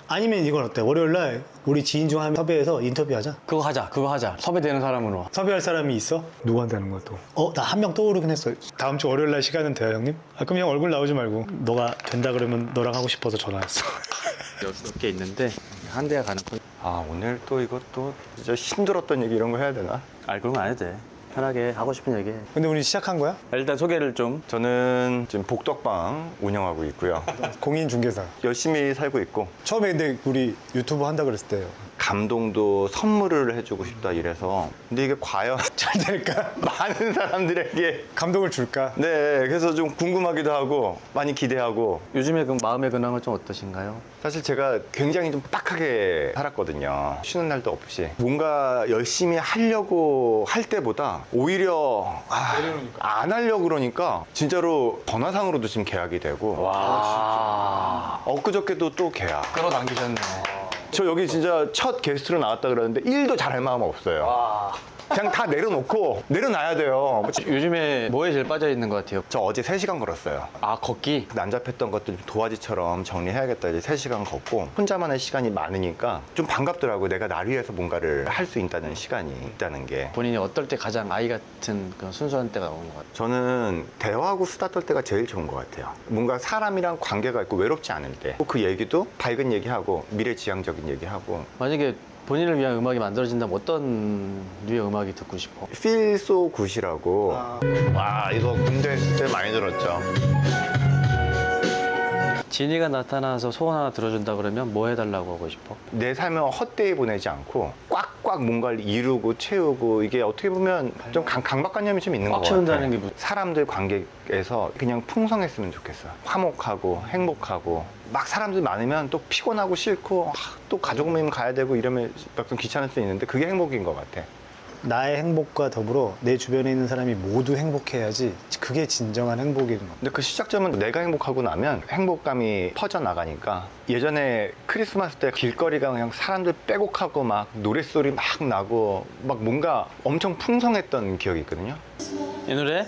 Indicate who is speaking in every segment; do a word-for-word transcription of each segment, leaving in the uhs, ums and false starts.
Speaker 1: 아니면 이건 어때? 월요일날 우리 지인 중 한 섭외해서 인터뷰하자.
Speaker 2: 그거 하자 그거 하자. 섭외되는 사람으로.
Speaker 1: 섭외할 사람이 있어? 누구한테 하는 거야 또? 어? 나 한 명 떠오르긴 했어. 다음 주 월요일날 시간은 돼요 형님? 아, 그럼 형 얼굴 나오지 말고 너가 된다 그러면 너랑 하고 싶어서 전화했어.
Speaker 2: 여섯 개 있는데 한 대가 가는 거.
Speaker 3: 아 오늘 또 이것도 진짜 힘들었던 얘기 이런 거 해야 되나?
Speaker 2: 아 그런 거 안 해도 돼. 편하게 하고 싶은 얘기 해.
Speaker 1: 근데 우리 시작한 거야?
Speaker 2: 일단 소개를 좀.
Speaker 3: 저는 지금 복덕방 운영하고 있고요.
Speaker 1: 공인중개사.
Speaker 3: 열심히 살고 있고
Speaker 1: 처음에 근데 우리 유튜브 한다 그랬을 때요.
Speaker 3: 감동도 선물을 해주고 싶다 이래서 근데 이게 과연
Speaker 1: 잘 될까?
Speaker 3: 많은 사람들에게
Speaker 1: 감동을 줄까?
Speaker 3: 네 그래서 좀 궁금하기도 하고 많이 기대하고
Speaker 2: 요즘에 그 마음의 근황은 좀 어떠신가요?
Speaker 3: 사실 제가 굉장히 좀 빡하게 살았거든요. 쉬는 날도 없이 뭔가 열심히 하려고 할 때보다 오히려 아, 안 하려고 그러니까 진짜로 전화상으로도 지금 계약이 되고
Speaker 2: 와.
Speaker 3: 엊그저께도 또 계약.
Speaker 2: 끌어당기셨네.
Speaker 3: 저 여기 진짜 첫 게스트로 나왔다 그러는데 일도 잘할 마음 없어요.
Speaker 2: 와.
Speaker 3: 그냥 다 내려놓고 내려놔야 돼요.
Speaker 2: 요즘에 뭐에 제일 빠져 있는 것 같아요?
Speaker 3: 저 어제 세 시간 걸었어요.
Speaker 2: 아 걷기.
Speaker 3: 난잡했던 것들 좀 도화지처럼 정리해야겠다 이제 세 시간 걷고 혼자만의 시간이 많으니까 좀 반갑더라고요. 내가 날 위해서 뭔가를 할 수 있다는 시간이 있다는 게.
Speaker 2: 본인이 어떨 때 가장 아이 같은 그런 순수한 때가 오는 것 같아요?
Speaker 3: 저는 대화하고 수다 떨 때가 제일 좋은 것 같아요. 뭔가 사람이랑 관계가 있고 외롭지 않을 때 그 얘기도 밝은 얘기하고 미래지향적인 얘기하고
Speaker 2: 만약에 본인을 위한 음악이 만들어진다면 어떤 류의 음악이 듣고 싶어?
Speaker 3: Feel So Good이라고
Speaker 1: 아.
Speaker 3: 와 이거 군대 있을 때 많이 들었죠.
Speaker 2: 진이가 나타나서 소원 하나 들어준다 그러면 뭐 해달라고 하고 싶어?
Speaker 3: 내 삶을 헛되이 보내지 않고 꽉꽉 뭔가를 이루고 채우고 이게 어떻게 보면 좀 강, 강박관념이 좀 있는 것
Speaker 2: 꽉
Speaker 3: 같아요.
Speaker 2: 채운다는 게 무슨-
Speaker 3: 사람들 관계에서 그냥 풍성했으면 좋겠어. 화목하고 행복하고 막 사람들 많으면 또 피곤하고 싫고 아, 또 가족 모임 가야 되고 이러면 좀 귀찮을 수 있는데 그게 행복인 것 같아.
Speaker 1: 나의 행복과 더불어 내 주변에 있는 사람이 모두 행복해야지 그게 진정한 행복인 것 같아.
Speaker 3: 근데 그 시작점은 내가 행복하고 나면 행복감이 퍼져나가니까 예전에 크리스마스 때 길거리가 그냥 사람들 빼곡하고 막 노랫소리 막 나고 막 뭔가 엄청 풍성했던 기억이 있거든요.
Speaker 2: 이 노래?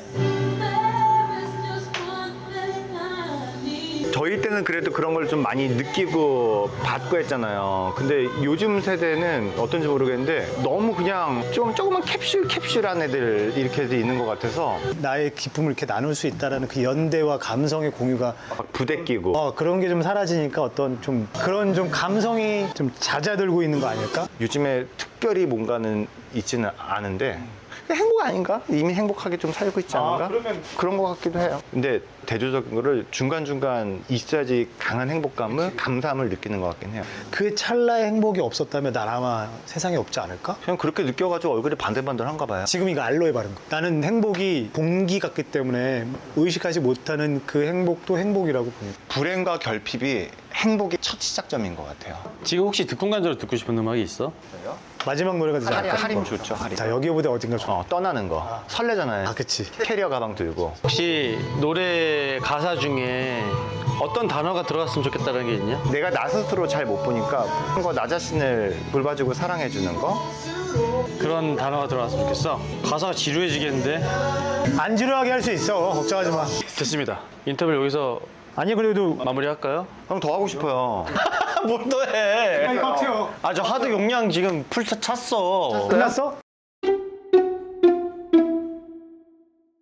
Speaker 3: 저희 때는 그래도 그런 걸 좀 많이 느끼고 받고 했잖아요. 근데 요즘 세대는 어떤지 모르겠는데 너무 그냥 좀 조그만 캡슐 캡슐한 애들 이렇게 있는 것 같아서
Speaker 1: 나의 기쁨을 이렇게 나눌 수 있다라는 그 연대와 감성의 공유가
Speaker 3: 막 부대끼고
Speaker 1: 어, 그런 게 좀 사라지니까 어떤 좀 그런 좀 감성이 좀 잦아들고 있는 거 아닐까?
Speaker 3: 요즘에 특별히 뭔가는 있지는 않은데 행복 아닌가? 이미 행복하게 좀 살고 있지 않은가?
Speaker 1: 아, 그러면-
Speaker 3: 그런 것 같기도 해요. 근데 대조적인 거를 중간중간 있어야지 강한 행복감을, 감사함을 느끼는 것 같긴 해요.
Speaker 1: 그 찰나의 행복이 없었다면 난 아마 세상에 없지 않을까?
Speaker 3: 그냥 그렇게 느껴가지고 얼굴이 반들반들한가 봐요.
Speaker 1: 지금 이거 알로에 바른 거. 나는 행복이 공기 같기 때문에 의식하지 못하는 그 행복도 행복이라고 봅니다.
Speaker 3: 불행과 결핍이 행복의 첫 시작점인 것 같아요.
Speaker 2: 지금 혹시 듣공간적으로 듣고 싶은 음악이 있어?
Speaker 1: 마지막 노래가 되지
Speaker 3: 할인,
Speaker 1: 않을까?
Speaker 3: 할인 좋죠, 할인.
Speaker 1: 자, 여기보다 어딘가 좋아.
Speaker 3: 어, 떠나는 거. 설레잖아요.
Speaker 1: 아, 그치.
Speaker 3: 캐리어 가방 들고.
Speaker 2: 혹시 노래 가사 중에 어떤 단어가 들어갔으면 좋겠다는 게 있냐?
Speaker 3: 내가 나 스스로 잘 못 보니까 그거 나 자신을 돌봐주고 사랑해주는 거.
Speaker 2: 그런 단어가 들어갔으면 좋겠어. 가사가 지루해지겠는데?
Speaker 1: 안 지루하게 할 수 있어. 걱정하지 마.
Speaker 2: 됐습니다. 인터뷰를 여기서
Speaker 1: 아니, 그래도.
Speaker 2: 마무리할까요?
Speaker 3: 그럼 더 하고 싶어요.
Speaker 2: 뭘 또 해?
Speaker 1: 같아요.
Speaker 2: 아, 저 하드 용량 지금 풀 찼어.
Speaker 1: 끝났어?